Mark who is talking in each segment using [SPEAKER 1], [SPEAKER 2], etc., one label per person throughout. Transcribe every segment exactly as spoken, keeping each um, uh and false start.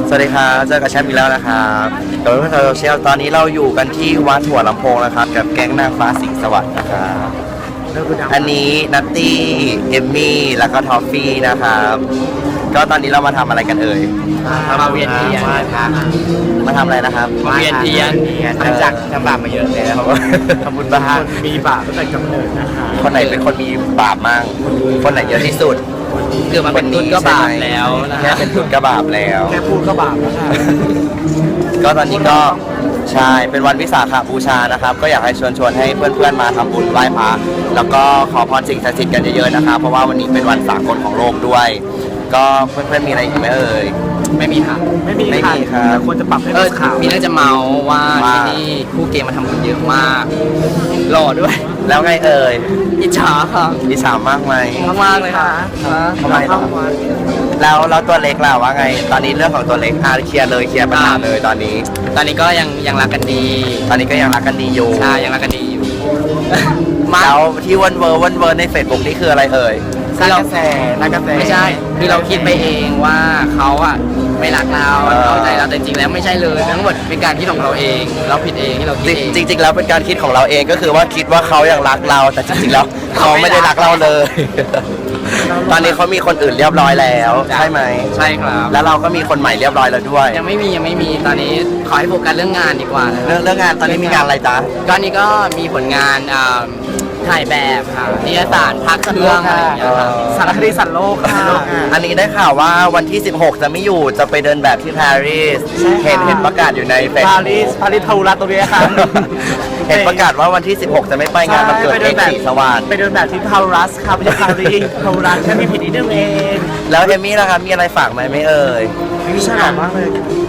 [SPEAKER 1] สวัสดีครับเจอกับแชมป์อีกแล้วนะครับกับเพื่อนๆโซเชียลตอนนี้เราอยู่กันที่วัดหัวลำโพงนะครับกับแก๊งนางฟ้าสิงห์สวัสดิ์นะครับอันนี้นัตตี้เอมมี่แล้วก็ทอฟฟี่นะครับก็ตอนนี้เรามาทำอะไรกันเอ่ย
[SPEAKER 2] มาเวียนเทียน
[SPEAKER 1] มาทำอะไรนะครับ
[SPEAKER 2] มาเวียนเทียนหลังจากทำบาปมาเยอะเลยนะครับ
[SPEAKER 1] ทำบุญบ้าง
[SPEAKER 2] มีบาปตั้งแต่กำเนิดนะคะ
[SPEAKER 1] คนไหนเป็นคนมีบาปมั่งคนไหนเยอะที่สุด
[SPEAKER 2] คือมาเป็นตุ๊ดก็บาปแล้วนะ
[SPEAKER 1] แค่เป็นตุ๊ดก็บาปแล้ว
[SPEAKER 2] แค่พูดก็บาปแล้วค่ะ
[SPEAKER 1] ก็ตอนนี้ก็ใช่เป็นวันวิสาขบูชานะครับ ก็อยากให้ชวนชวนให้เพื่อนๆมาทำบุญไหว้พระแล้วก็ขอพรสิ่งศักดิ์สิทธิ์กันเยอะๆนะครับเพราะว่าวันนี้เป็นวันสากลของโลกด้วย ก็เพื่อนๆมีอะไรอีกไหมเอ่ย
[SPEAKER 2] ไม่มีค่ะ
[SPEAKER 1] ไม่มีครับ
[SPEAKER 2] ควรจะปรับให้เป็นข่าวมีเรื่องจะเมาว่าที่นี่คู่เกมมาทำบุญเยอะมากหล่อด้วย
[SPEAKER 1] แล้วไงเอ่ย
[SPEAKER 2] อิจฉาค่ะ
[SPEAKER 1] อิจฉามากไหม
[SPEAKER 2] มากๆเลยค่ะ
[SPEAKER 1] ทำไมล่ะแล้วแล้วตัวเล็กล่ะว่าไง ตอนนี้เรื่องของตัวเล็กอาเคลียร์เลยเคลียร์ปัญหาเลยตอนนี้
[SPEAKER 2] ตอนนี้ก็ยังยังรักกันดี
[SPEAKER 1] ตอนนี้ก็ยังรักกันดีอยู่
[SPEAKER 2] ใช่ยังรักกันดีอยู่
[SPEAKER 1] แล้วที่วันเวอร์วันเวอร์ในเฟซบุ๊กนี่คืออะไรเอ่ย
[SPEAKER 2] สร้างกระแสสร้างกระแสไม่ใช่ คือเราคิดไปเองว่าเขาอ่ะไม่รักเรา
[SPEAKER 1] เออ
[SPEAKER 2] เอาใจเราแต่จริงๆแล้วไม่ใช่เลยทั้งหมดเป็นการคิดของเราเอง เราผิดเองที่เราคิดเอง
[SPEAKER 1] จริงจริงๆแล้วเป็นการคิดของเราเองก็คือว่าคิดว่าเขายังรักเราแต่จริงๆแล้วเขาไม่ได้รักเราเลย ตอนนี้เขามีคนอื่นเรียบร้อยแล้วใช่ไหม
[SPEAKER 2] ใช่ครับ
[SPEAKER 1] แล้วเราก็มีคนใหม่เรียบร้อยแล้วด้วย
[SPEAKER 2] ยังไม่มียังไม่มีตอนนี้ขอให้โฟกัสเรื่องงานดีกว่านะ
[SPEAKER 1] เรื่องเรื่องงานตอนนี้มีงานอะไรจ๊ะ
[SPEAKER 2] ก็นี่ก็มีผลงานอ่าถ่ายแบบค่ะนิยสารพักเครื่องอะไรอย่างเงี้ยค่ะ
[SPEAKER 1] เออ
[SPEAKER 2] สารคดีสัตว์โลกค่ะ
[SPEAKER 1] อันนี้ได้ข่าวว่าวันที่สิบหกจะไม่อยู่จะไปเดินแบบที่ปารีสเห็นเห็นประกาศอยู่ในเฟซ
[SPEAKER 2] ปา
[SPEAKER 1] บุ๊
[SPEAKER 2] รีส
[SPEAKER 1] ก
[SPEAKER 2] ปารีสทารุรัตตรงนี้ค่ะ
[SPEAKER 1] เห็นประกาศว่าวันที่สิบหกจะไม่ไปงานวันเกิดเอกสีสว่าง
[SPEAKER 2] ไปเดินแบบที่ทารุรัสค่ะไม่ใช่ปารีสทารุรัสแค่มีผิดนิดนึงเอง
[SPEAKER 1] แล้วเอมมี่ล่ะครับมีอะไรฝากไหมไม่เอ่ย
[SPEAKER 2] วิชามากเลย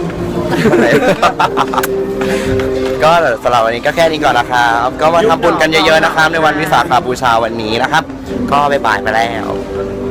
[SPEAKER 1] ก็สำหรับวันนี้ก็แค่นี้ก่อนนะครับ ก็มาทำบุญกันเยอะๆนะครับ ในวันวิสาขบูชาวันนี้นะครับ ก็บ๊ายบายไปแล้ว